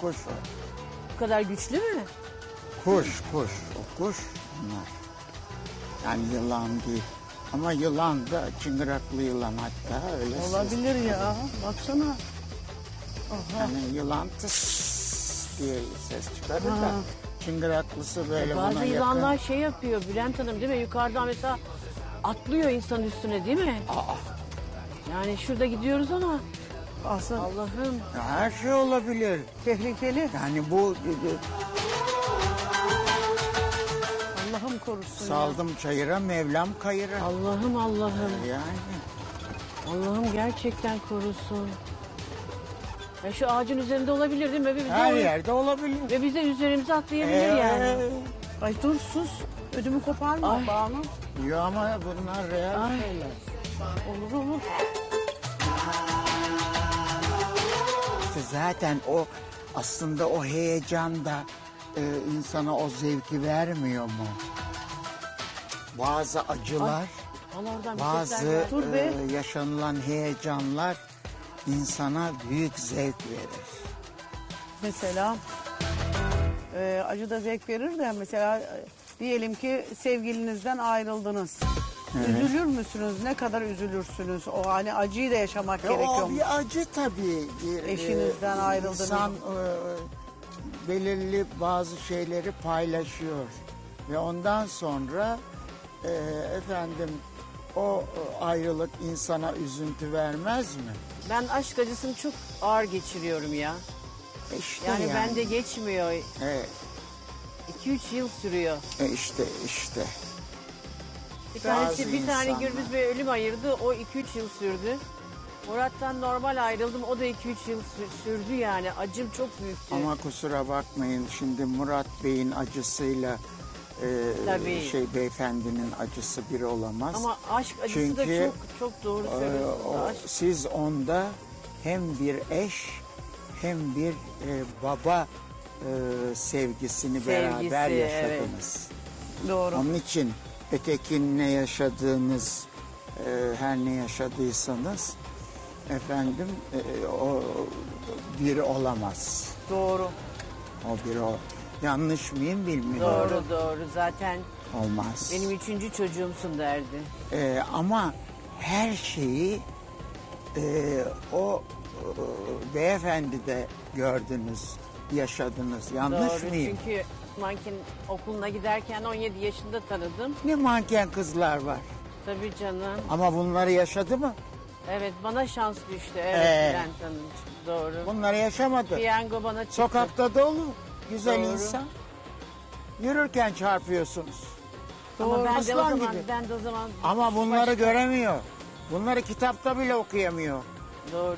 kuş o. Bu kadar güçlü mü? Kuş. O kuş bunlar. Yani yılan değil. Ama yılan da çıngıraklı yılan hatta öyle. Olabilir ya. Baksana. Aha. Yani yılan tıs diye ses çıkarır da çıngıraklısı böyle buna Bazı yakın. yılanlar şey yapıyor Bülent Hanım değil mi? Yukarıdan mesela atlıyor insanın üstüne değil mi? Aa, Yani şurada gidiyoruz ama Aslında Allah'ım. ya her şey olabilir. tehlikeli. Yani bu Allah'ım korusun. saldım çayıra Mevlam kayıra. Allah'ım Allah'ım. Yani Allah'ım gerçekten korusun. Ya şu ağacın üzerinde olabilir değil mi? Ve biz de her oraya- yerde olabilir. Ve biz de üzerimize atlayabilir yani. Ay dur sus. Ödümü koparma Ay. Banu. Yo ama bunlar real Ay. şeyler. Olur. İşte zaten o aslında o heyecan da insana o zevki vermiyor mu? Bazı acılar, Allah oradan bir bazı sesler geldi. Dur be. yaşanılan heyecanlar insana büyük zevk verir. Mesela acı da zevk verir de mesela diyelim ki sevgilinizden ayrıldınız. Üzülür müsünüz? Ne kadar üzülürsünüz? O hani acıyı da yaşamak gerekiyor. O bir acı tabii. Eşinizden ayrıldınız. İnsan belirli bazı şeyleri paylaşıyor. Ve ondan sonra efendim o ayrılık insana üzüntü vermez mi? Ben aşk acısını çok ağır geçiriyorum ya. İşte Yani bende geçmiyor. Evet, 2-3 yıl sürüyor. işte. Bir Bazı bir tane insanlar. Gürbüz Bey ölüm ayırdı. O 2-3 yıl sürdü. Murat'tan normal ayrıldım. O da 2-3 yıl sürdü yani. Acım çok büyüktü. Ama kusura bakmayın şimdi Murat Bey'in acısıyla Tabii. beyefendinin acısı bir olamaz. Ama aşk acısı da Çünkü, çok doğru söylüyorsunuz. Aşk. siz onda hem bir eş hem bir baba sevgisini beraber yaşadınız. Doğru. Onun için ötekinle yaşadığınız her ne yaşadıysanız efendim o biri olamaz. Doğru. O biri o. Yanlış mıyım bilmiyorum. Doğru. Zaten Olmaz. benim 3. çocuğumsun derdi. Ama her şeyi o beyefendi de gördünüz, yaşadınız. Yanlış Doğru. mıyım? Çünkü manken okuluna giderken 17 yaşında tanıdım. Ne manken kızlar var. Tabii canım. Ama bunları yaşadı mı? Evet bana şans düştü. Evet Bülent Hanım. Doğru. Bunları yaşamadı. Piyango bana çıktı. Sokakta dolu güzel Doğru. insan. Yürürken çarpıyorsunuz. Ama Aslan gibi. ben de o zaman Ama bunları göremiyor. Bunları kitapta bile okuyamıyor. Doğru.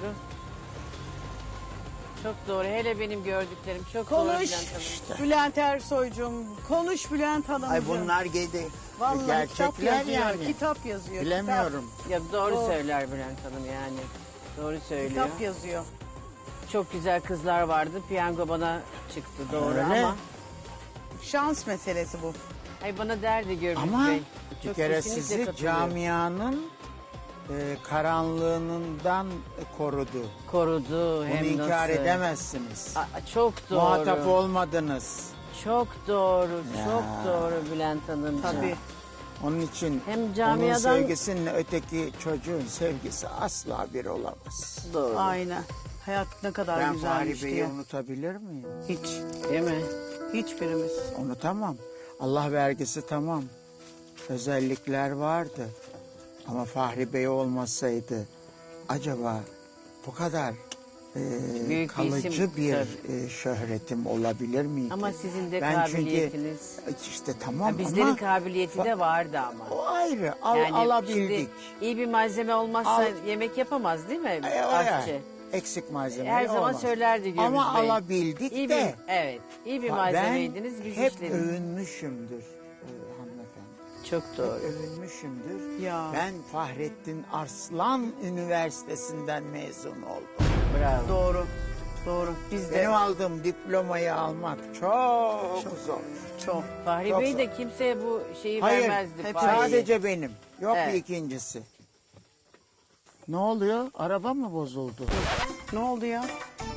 Çok doğru. Hele benim gördüklerim çok doğru Konuş Bülent Hanım. Bülent Ersoy'cum. Konuş Bülent Hanımcığım. Ay bunlar gidi. Vallahi kitap Gerçekler yazıyor. yani. Kitap yazıyor. Bilemiyorum. Ya doğru Doğru. söyler Bülent Hanım yani. Doğru söylüyor. Kitap yazıyor. Çok güzel kızlar vardı. Piyango bana çıktı doğru Öyle. ama. Şans meselesi bu. Ay bana derdi Gürbüz Ama Bey. bir Çok kere kesinlikle sizi katılıyorum. camianın karanlığından korudu. Korudu Bunu hem inkar nasıl. edemezsiniz. Çok doğru. Muhatap olmadınız. Çok doğru. Ya. Çok doğru Bülent Hanımcığım. Tabii. Onun için Hem onun camiadan- sevgisinle öteki çocuğun sevgisi asla bir olamaz. Doğru. Aynen. Hayat ne kadar Ben güzelmiş Fahri Bey'i diye. unutabilir miyim? Hiç. Değil mi? Hiçbirimiz. Unutamam. Allah vergisi tamam. Özellikler vardı. Ama Fahri Bey olmasaydı acaba bu kadar Büyük bir kalıcı isim, bir tabii. şöhretim olabilir miydi? Ama sizin de Ben kabiliyetiniz. Çünkü, işte tamam Ha, bizlerin ama kabiliyeti de vardı ama. o ayrı. Yani Alabildik. şimdi iyi bir malzeme olmazsa yemek yapamaz değil mi aşçı? Eksik malzeme Her zaman olmaz. söylerdi Gürbüz Ama Bey. alabildik İyi de. evet. İyi bir Ben malzemeydiniz biz hep işledik. övünmüşümdür hanımefendi. Çok doğru. Övünmüşümdür. Ya. Ben Fahrettin Arslan Üniversitesi'nden mezun oldum. Bravo. Doğru. Doğru. Biz de Benim aldığım diplomayı almak çok zor. çok. Fahri Çok Bey zor. de kimseye bu şeyi Hayır, vermezdi. hep Fahri'yi. sadece benim. Yok Evet. bir ikincisi. Ne oluyor? Araba mı bozuldu? Ne oldu ya?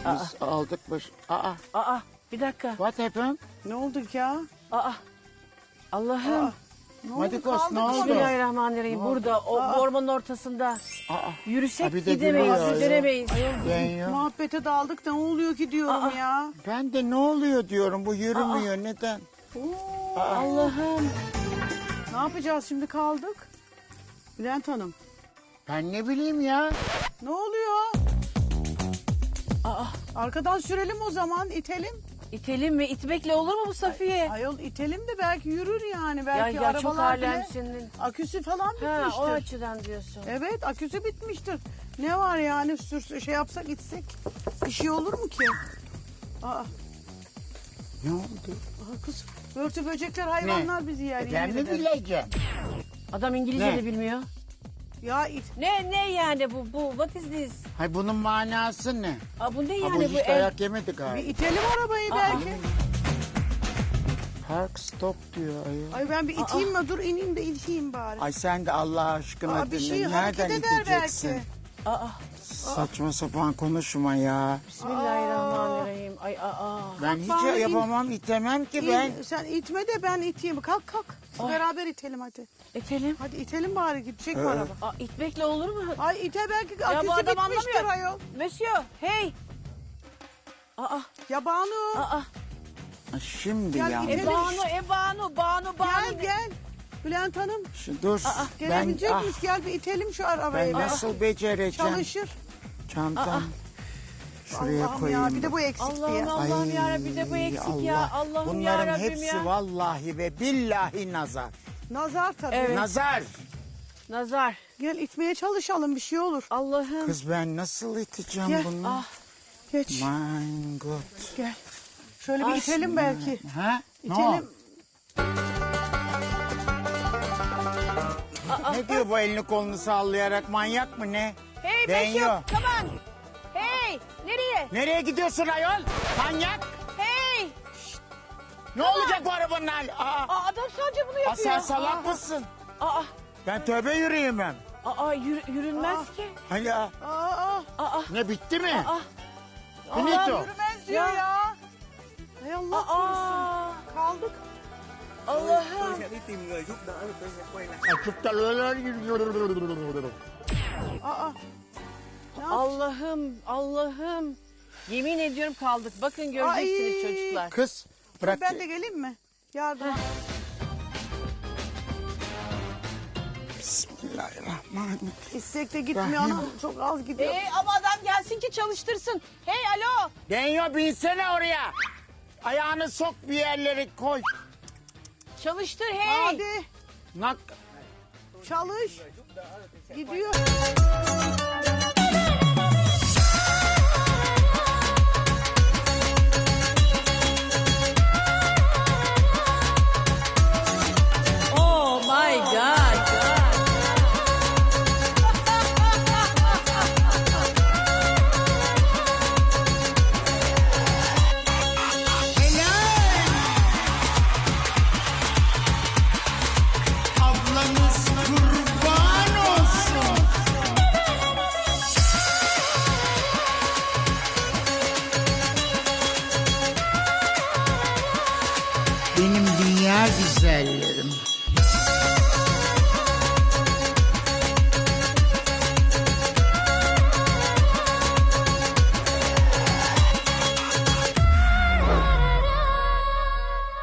Biz aldık baş... Aa bir dakika. What happened? Ne oldu ya? Allah'ım. Ne Madikos, kaldık ne mı? oldu? Bismillahirrahmanirrahim. Burada o ormanın ortasında yürüsek Ha, bir de gidemeyiz, gülüyor ya. dönemeyiz. Deniyor. Muhabbete daldık ne oluyor ki diyorum ya. Ben de ne oluyor diyorum. Bu yürümüyor. Neden? Allah'ım. Ne yapacağız şimdi kaldık? Bülent Hanım. Ben ne bileyim ya. Ne oluyor? Arkadan sürelim o zaman itelim. İtelim mi? İtmekle olur mu bu Safiye? Ayol itelim de belki yürür yani. Ya, Belki ya çok arabalar bile alemsin. aküsü falan Ha, bitmiştir. o açıdan diyorsun. Evet aküsü bitmiştir. Ne var yani şey yapsak gitsek bir şey olur mu ki? Aa, Ne oldu? kız börtü böcekler hayvanlar bizi yer. Ben yemin mi ederim. bileceğim? Adam İngilizce Ne? de bilmiyor. Ya Ne yani bu? What is this? Hay bunun manası ne? Bu ne Ha, yani bu bu hiç el? dayak yemedi bir galiba. itelim arabayı belki. Park stop diyor ayol. Ay ben bir iteyim mi? Dur ineyim de iteyim bari. Ay sen de Allah aşkına Bir şey dinle. hareket Nereden eder iteceksin? belki. Saçma sapan konuşma ya. Bismillahirrahmanirrahim. Ay Ben hiç Bari yapamam, itemem ki ben. Sen itme de ben iteyim. Kalk. Beraber itelim hadi. İtelim. Hadi itelim bari gidecek mi araba? İtmekle olur mu? Ay ite belki Ya bu aküsü adam bitmiştir anlamıyor. ayol. Monsieur, hey. Ya Banu Ha, Şimdi Gel ya. gidelim. Banu. gel. Bülent Hanım Dur. gelebilecek Ben, miyiz? Gel bir itelim şu arabayı. ben nasıl becereceğim? Çalışır. Çantam. Şuraya Allah'ım koyayım. ya bir de bu eksik diye. Allah'ım yarabbim bir de bu eksik ya. Allah'ım Bunların yarabbim hepsi ya. vallahi ve billahi nazar. Nazar tabii. Evet. Nazar. Nazar. Gel itmeye çalışalım bir şey olur. Allah'ım. Kız ben nasıl iteceğim Gel. bunu? Geç My God. gel. Şöyle bir itelim belki. Ha? Ne o? İtelim. Ne diyor bu elini kolunu sallayarak, manyak mı ne? Hey Deniyor. Monsieur, come on. Hey, nereye? Nereye gidiyorsun ayol? Manyak. Hey. Ne olacak bu arabanın hali? Adam sadece bunu yapıyor. Sen salak mısın? Ben tövbe yürüyemem. Yürünmez ki. Hani ne bitti mi? Finito. Yürümez diyor ya. Hay Allah korusun. Kaldık. Allah'ım. Allah'ım. Yemin ediyorum kaldık. Bakın göreceksiniz Ay. çocuklar. Kız bırak. Ben de geleyim mi? Yardım. Bismillahirrahmanirrahim. İstek de gitmiyor anam. Çok az gidiyor. Ama adam gelsin ki çalıştırsın. Hey alo. Denyo binsene oraya. Ayağını sok bir yerlere koy. Çalıştır hey. Hadi Nak. çalış. Gidiyor. Oh my God. Ablanız kurban olsun. Benim dünya güzelleri.